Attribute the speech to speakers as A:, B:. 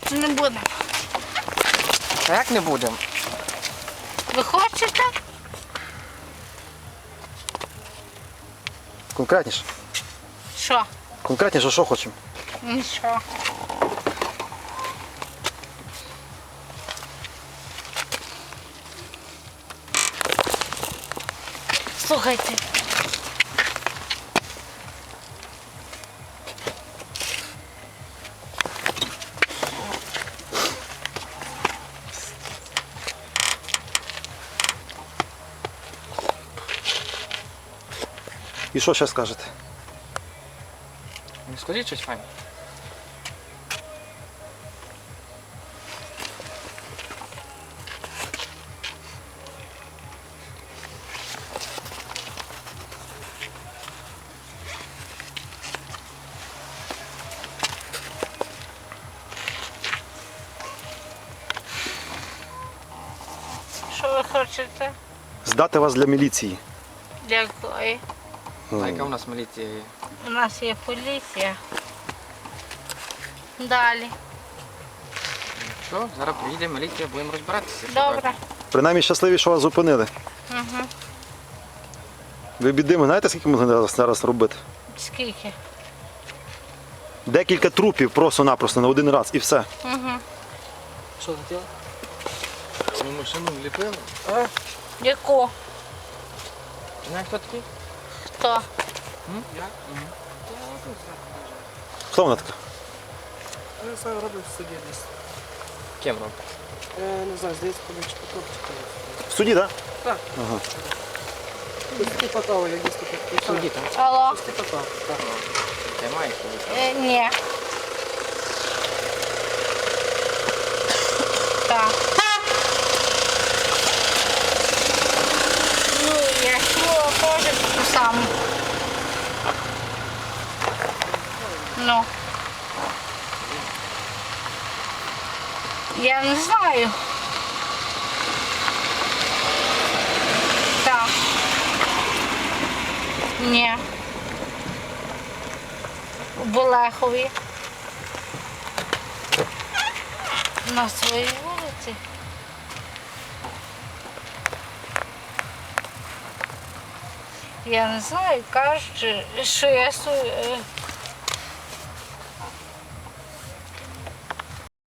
A: Не будемо.
B: А як не будемо?
A: Ви хочете?
C: Конкретніше.
A: Що?
C: Конкретніше, що хочемо?
A: Нічого. Слухайте.
C: І що ще скажете?
B: Не скажіть щось файне.
A: Що ви хочете?
C: Здати вас для міліції.
A: Дякую.
B: А яка у нас міліція є?
A: У нас є поліція. Далі.
B: Що? Зараз приїде міліція, будемо розбиратися.
A: Добре.
C: Принаймні щасливі, що вас зупинили.
A: Угу.
C: Ви бідимо, знаєте, скільки можна зараз робити?
A: Скільки?
C: Декілька трупів просто-напросто на один раз і все.
A: Угу.
B: Що хотіла? Ми машину вліпили.
A: Яку?
B: Знаєш, хто такий?
A: Хто?
B: Я?
C: Хто вона така?
D: Я сам роблю в суді десь.
B: Ким робить?
D: Не знаю, здається, поміч Петровчика.
C: В суді, так?
D: Так.
C: Ага.
D: Пусти потав, я дійсно так.
B: Судді там.
A: Алло?
D: Пусти потав. Так.
B: Ти маєш коли?
A: Ні. Так. Ну, я чула теж таку саму. Ну. Я не знаю. Так. Ні. У Болехові. На своїй вулиці. Я не знаю, кажуть, що я